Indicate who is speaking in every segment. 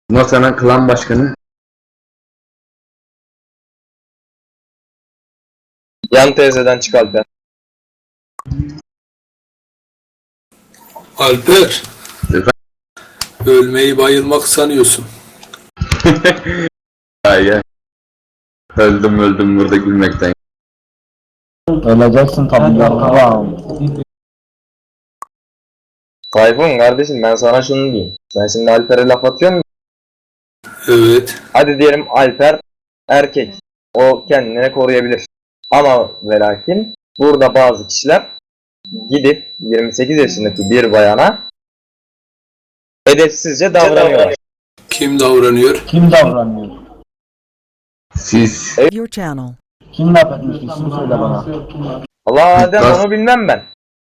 Speaker 1: Bundan sonra klan başkanı
Speaker 2: Yan teyzeden çık Alper.
Speaker 3: Alper, ölmeyi bayılmak sanıyorsun.
Speaker 1: ya. Öldüm burada gülmekten.
Speaker 4: Öleceksin tabii ya.
Speaker 2: Tayfun kardeşim ben sana şunu diyeyim. Sen şimdi Alper'e laf atıyorsun.
Speaker 3: Evet.
Speaker 2: Hadi diyelim Alper erkek. O kendini koruyabilir. Ama ve lakin burada bazı kişiler gidip 28 yaşındaki bir bayana edepsizce davranıyorlar.
Speaker 3: Kim davranıyor?
Speaker 4: Kim davranıyor?
Speaker 1: Siz
Speaker 5: Your channel.
Speaker 4: Kim laf etmiş? İsim söyle bana.
Speaker 2: Allah Adem
Speaker 1: Nasıl?
Speaker 2: onu bilmem ben.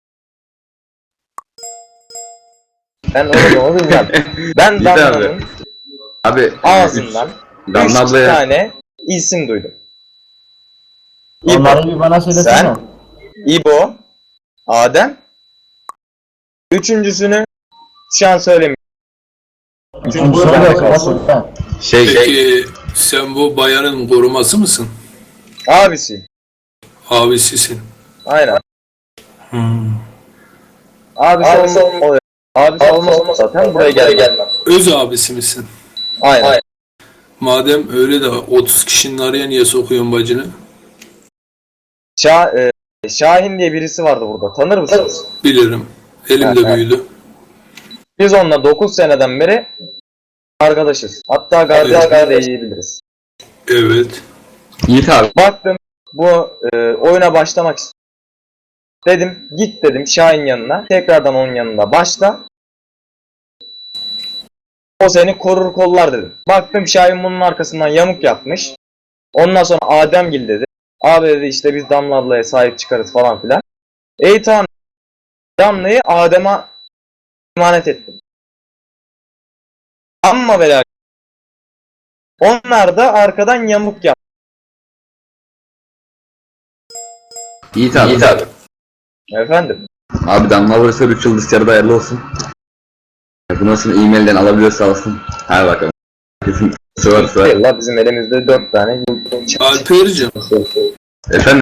Speaker 2: Ben onu bilmem. Ben
Speaker 1: İyi de abi.
Speaker 2: Damla'nın
Speaker 1: abi
Speaker 2: ağzından 3
Speaker 1: Damla ablaya
Speaker 2: tane isim duydum.
Speaker 4: Onları bir bana söylesene.
Speaker 2: Sen, İbo, Adem. Üçüncüsünü şu an söylemiyorum. Üçüncüsü bende
Speaker 4: Söyle,
Speaker 2: kalsın.
Speaker 4: söyle.
Speaker 3: Peki sen bu bayanın koruması mısın?
Speaker 2: Abisi.
Speaker 3: Abisisin.
Speaker 2: Aynen.
Speaker 3: Hmm.
Speaker 2: Abisi olmaz. Abisi olmaz zaten buraya gelmem.
Speaker 3: Öz abisi misin?
Speaker 2: Aynen.
Speaker 3: Madem öyle de 30 kişinin araya niye sokuyorsun bacını?
Speaker 2: Şahin diye birisi vardı burada. Tanır mısınız?
Speaker 3: Bilirim. Elimde
Speaker 2: Evet.
Speaker 3: büyüdü.
Speaker 2: Biz onunla 9 seneden beri arkadaşız. Hatta kardeş de diyebiliriz.
Speaker 3: Evet.
Speaker 1: Yiğit abi.
Speaker 2: Baktım bu oyuna başlamak istiyorum. Dedim git dedim Şahin yanına. Tekrardan onun yanında başla. O seni korur kollar dedim. Baktım Şahin bunun arkasından yamuk yapmış. Ondan sonra Ademgil dedi. Abi dedi işte biz Damla ablaya sahip çıkarız falan filan. Tamam. Damla'yı Adem'e emanet ettim. Ama ve lakin onlar da arkadan yamuk yaptı.
Speaker 1: Yiğit abi.
Speaker 2: Efendim.
Speaker 1: Abi Damla burası 3 yıl dışarıda hayırlı olsun. Bundan sonra e-mailden alabiliyorsa alsın. Hadi bakalım. Kesin söver.
Speaker 2: Allah bizim elimizde 4 tane
Speaker 3: Alper'cim,
Speaker 1: Efendim?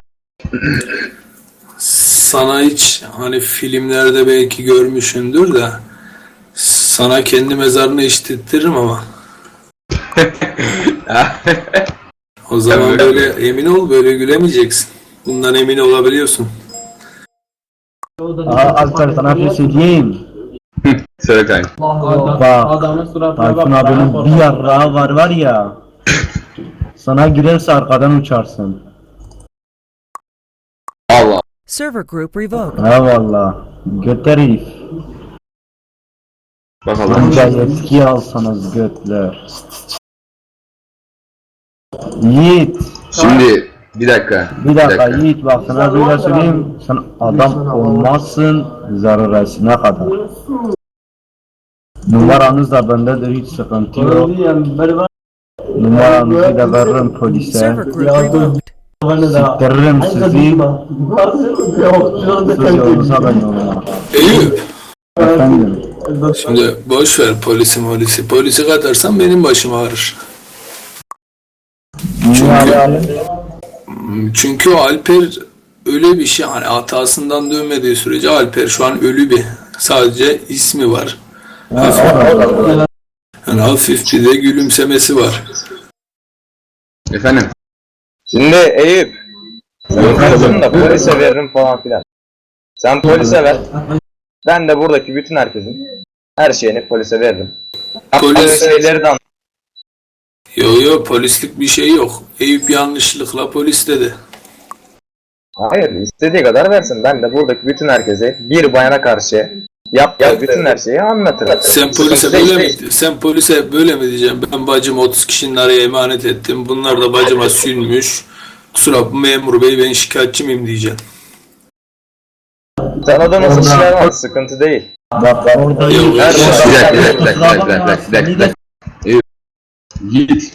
Speaker 3: sana hiç hani filmlerde belki görmüşsündür de sana kendi mezarını işlettiririm ama o zaman böyle emin ol, böyle gülemeyeceksin. Bundan emin olabiliyorsun.
Speaker 4: Alper sana bir şey diyeyim.
Speaker 1: Söyle kanka.
Speaker 4: Bak. Tayfun abinin bir yarrağı var ya. Sana girerse arkadan uçarsın.
Speaker 1: Allah.
Speaker 5: Server group revoked.
Speaker 4: Ha valla. Göt herif.
Speaker 1: Bakalım.
Speaker 4: Anca yetki alsanız götler. Yiğit.
Speaker 1: Şimdi bir dakika.
Speaker 4: Bir dakika Yiğit bak sana böyle söyleyeyim. Sen adam olmazsın zararasına kadar. Numaranız da bendedir hiç sıkıntı yok. Numaranızı da veririm polise.
Speaker 5: Server group revoked.
Speaker 4: Siktiririm sizi. Siz yolunuza ben yoluma.
Speaker 3: Eyüp,
Speaker 4: Efendim.
Speaker 3: şimdi boş ver polisi. Polisi katarsan benim başım ağrır.
Speaker 4: Niye abi?
Speaker 3: Çünkü Alper öyle bir şey, hani hatasından dönmediği sürece Alper şu an ölü bir. Sadece ismi var. Yani hafif bir de gülümsemesi var.
Speaker 1: Efendim?
Speaker 2: Şimdi Eyüp. Sen da polise veririm falan filan. Sen polise ver. Ben de buradaki bütün herkesin her şeyini polise veririm.
Speaker 3: Polis-
Speaker 2: Şeyleri de anlat.
Speaker 3: Yo polislik bir şey yok. Eyüp yanlışlıkla polis dedi.
Speaker 2: Hayır istediği kadar versin. Ben de buradaki bütün herkese bir bayana karşı yaptığı bütün her şeyi anlatırım.
Speaker 3: Sen polise böyle mi diyeceğim? Ben bacım 30 kişinin araya emanet ettim. Bunlar da bacıma sünmüş. Kusura bakma memur bey, ben şikayetçi miyim diyeceksin.
Speaker 2: Sana da nasıl şeyler var sıkıntı değil.
Speaker 4: Bak orada
Speaker 3: Yok,
Speaker 2: Her
Speaker 1: Bir dakika. Yiğit.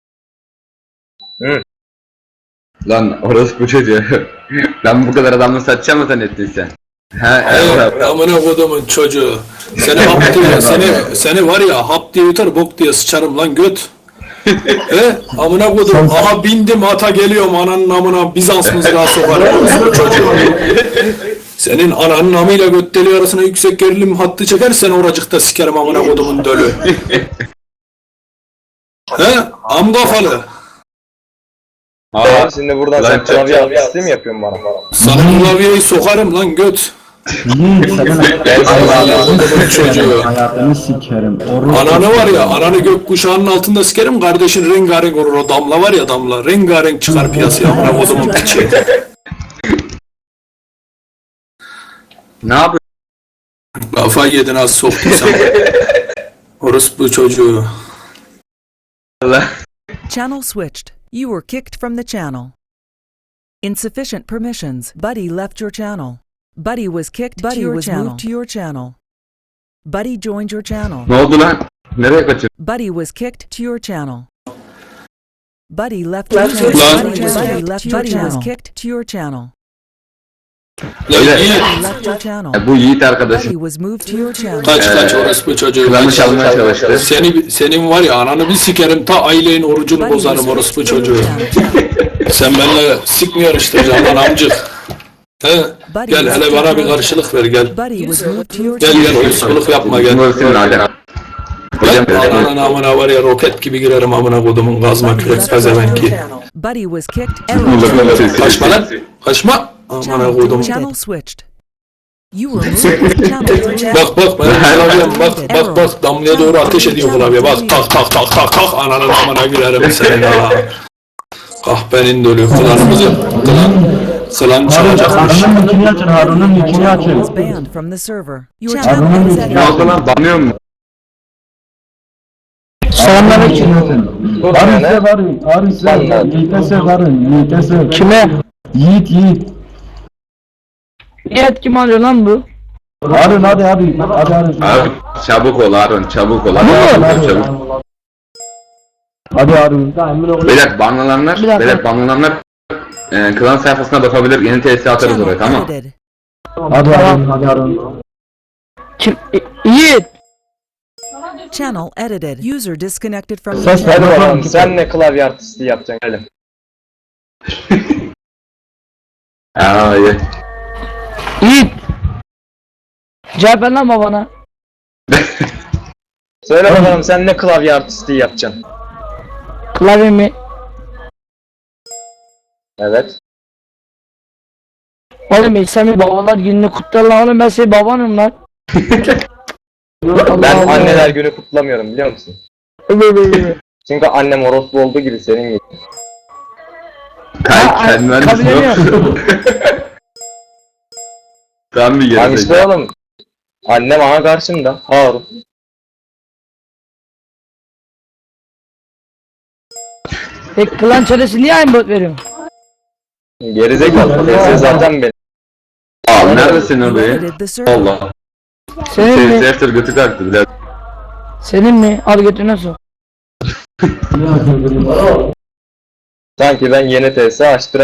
Speaker 2: Hı.
Speaker 1: Lan orası bu çocuğu. Ben bu kadar adamla satacağım mı zannettin sen?
Speaker 3: Amına kodumun çocuğu. Seni var ya hap diye yutar bok diye sıçarım lan göt. Amına kodum. Aha bindim ata geliyorum ananın amına Bizans mızrağı sokarım çocuğu. Senin ananın amıyla göt deliği arasına yüksek gerilim hattı çekersen oracıkta sikerim amına kodumun dölü. Am kafalı.
Speaker 2: Şimdi buradan sen klavye artisti mi yapıyorsun bana?
Speaker 3: Sana klavyeyi sokarım lan göt. Çocuğu.
Speaker 4: Hayatını sikerim.
Speaker 3: Ananı var ya, ananı gökkuşağının altında sikerim, kardeşin rengarenk olur, o damla var ya damla, rengarenk çıkar piyasaya, amına kodumun piçi.
Speaker 1: Ne yapıyorsun?
Speaker 3: Kafayı yedin az soktuysan. Orospu çocuğu.
Speaker 5: Channel switched. You were kicked from the channel. Insufficient permissions. Buddy left your channel. Buddy was kicked to your channel. Moved to your channel. Buddy joined your channel.
Speaker 1: Ne oldu lan? Nereye kaçırdın?
Speaker 5: Buddy was kicked to your channel. Buddy left your channel. Buddy left your channel. Was kicked to your channel.
Speaker 3: Lan Yiğit,
Speaker 5: Buddy left your channel.
Speaker 1: Bu Yiğit arkadaşım.
Speaker 5: Buddy was moved to your channel.
Speaker 3: kaç orospu çocuğu.
Speaker 1: Klanı çalmaya çalıştı.
Speaker 3: Senin var ya ananı bir sikerim, ta ailenin orucunu
Speaker 5: Buddy
Speaker 3: bozarım
Speaker 5: was
Speaker 3: orospu
Speaker 5: kicked to your
Speaker 3: çocuğu.
Speaker 5: channel.
Speaker 3: Sen benimle sik mi yarıştıracaksın lan amcık? Gel hele bana bir karşılık ver gel.
Speaker 5: Buddy was moved to your
Speaker 3: Gel
Speaker 5: channel.
Speaker 3: gel uskuluk yapma gel.
Speaker 1: Bunlar senin Adem. Hocam
Speaker 3: Ananın amına var ya roket gibi girerim amına kodumun gazma kürek pezevenki.
Speaker 5: Buddy was kicked.
Speaker 3: Kaçma lan. Kaçma. Amına kodum.
Speaker 5: Channel switched. You were moved to channel.
Speaker 3: Bak benim klavyem bak damlaya doğru ateş ediyor klavye bak tak ananın amına girerim senin ha. Kahpenin dölü klan çalacakmış.
Speaker 4: Harun'un nickini açın, Harun'un nickini açın.
Speaker 5: Was banned from the server. Your
Speaker 4: Harun'un
Speaker 5: channel is
Speaker 4: nickini
Speaker 1: ne oldu lan? Banıyor mu?
Speaker 4: Selamünaleyküm.
Speaker 2: Dur
Speaker 4: Harun
Speaker 2: yani.
Speaker 4: size varın, Harun size
Speaker 2: Vallahi.
Speaker 4: Yiğit'e size varın, Yiğit'e size. Kime? Yiğit.
Speaker 6: Evet kim alıyor lan bu?
Speaker 4: Harun hadi abi, hadi Harun.
Speaker 1: Abi çabuk ol Harun, çabuk ol. Hadi çabuk.
Speaker 4: Hadi Harun.
Speaker 1: Beyler banlananlar,
Speaker 6: Bir dakika.
Speaker 1: klan sayfasına bakabilir. Yeni TS atarız oraya, tamam.
Speaker 5: edited.
Speaker 4: Hadi Harun.
Speaker 6: Kim? Yiğit.
Speaker 5: Channel edited. User disconnected from the
Speaker 4: Ses
Speaker 5: channel.
Speaker 2: Hadi
Speaker 4: ver
Speaker 2: bakalım sen ne klavye artisti yapacaksın gelin.
Speaker 1: İyi.
Speaker 6: Yiğit. Cevap ver lan babana.
Speaker 2: Söyle bakalım sen ne klavye artisti yapacaksın.
Speaker 6: Klavye mi?
Speaker 2: Evet.
Speaker 6: Oğlum sen bir babalar gününü kutlar lan oğlum ben senin babanım lan.
Speaker 2: Ben anneler günü kutlamıyorum biliyor musun? Çünkü annem orospu olduğu gibi senin gibi.
Speaker 1: Kendin
Speaker 6: kabul ediyorum.
Speaker 1: Tam bir
Speaker 2: Hangisi
Speaker 1: gerizekalı.
Speaker 2: oğlum? Annem aha karşımda. Harun.
Speaker 6: Peki klan çaresi niye aynı bot veriyor?
Speaker 2: Gerizekalı. TS zaten benim.
Speaker 1: Aa, neredesin
Speaker 5: You
Speaker 1: orayı?
Speaker 5: edited the server.
Speaker 1: Allah.
Speaker 6: Senin mi?
Speaker 1: Sefter götü kalktı birader.
Speaker 6: Senin mi? Al götüne sok.
Speaker 2: Sanki ben yeni TS açtıram.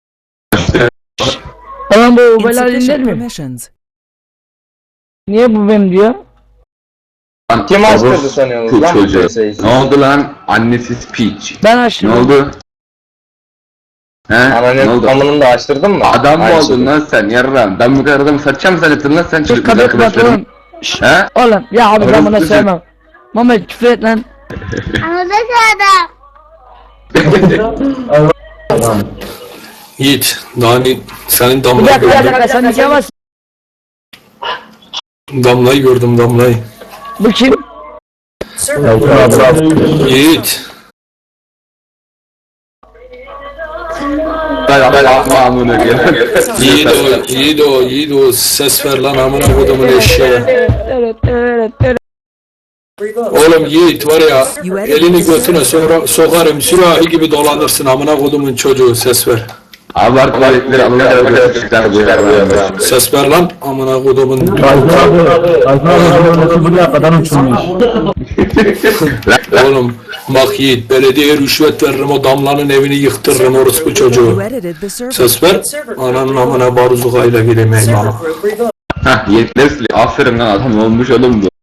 Speaker 6: Oğlum bu ubeler dinler
Speaker 5: Insufficient
Speaker 6: mi?
Speaker 5: permissions.
Speaker 6: Niye bu benim diyor?
Speaker 1: Lan,
Speaker 2: Kim açtırdı
Speaker 1: orospu
Speaker 2: sanıyorsunuz lan bu
Speaker 1: çocuğu.
Speaker 2: TS'yi?
Speaker 1: Ne oldu lan? Annesiz piç.
Speaker 6: Ben
Speaker 1: Ne
Speaker 6: açtım.
Speaker 1: oldu? He? Ne
Speaker 2: Ananın
Speaker 1: oldu?
Speaker 2: kamını da açtırdın mı?
Speaker 1: Adam mı
Speaker 2: Aynı
Speaker 1: oldun
Speaker 2: şekilde.
Speaker 1: lan sen yarram? Ben bu kadar adamı satacağım zannettim lan sen
Speaker 6: Dur
Speaker 1: çocuk
Speaker 6: kapıyı kapat
Speaker 1: arkadaşlarım.
Speaker 6: oğlum. Şşş.
Speaker 1: He?
Speaker 6: Oğlum ya abi ben
Speaker 1: Orası
Speaker 6: buna
Speaker 1: güzel.
Speaker 6: sevmem. Mehmet küfür et lan.
Speaker 3: Yiğit, Dani, senin
Speaker 6: Bir
Speaker 3: damlayı
Speaker 6: dakika bir
Speaker 3: gördüm.
Speaker 6: dakika sen nikah
Speaker 3: Damlayı gördüm damlayı.
Speaker 6: Bu kim?
Speaker 3: Yiğit.
Speaker 1: Ben amına gel.
Speaker 3: Yiğit o ses ver lan amına kodumun eşeği.
Speaker 6: Evet.
Speaker 3: Oğlum Yiğit var ya elini götüne sokarım sürahi gibi dolanırsın amına kodumun çocuğu ses ver.
Speaker 1: Abart tuvaletleri Allah'a göstermişler bu ya.
Speaker 3: Ses ver lan amına kodumun.
Speaker 4: Ayfer buraya kadar uçurmuş.
Speaker 3: Oğlum bak Yiğit belediyeye rüşvet veririm o damlanın evini yıktırırım orospu çocuğu.
Speaker 5: You edited the server.
Speaker 3: Ses ver ananın amına baruzukayla gireyim eyvallah.
Speaker 1: Hah, yetkileri siliyor. Aferin lan, adam olmuş oğlum bu.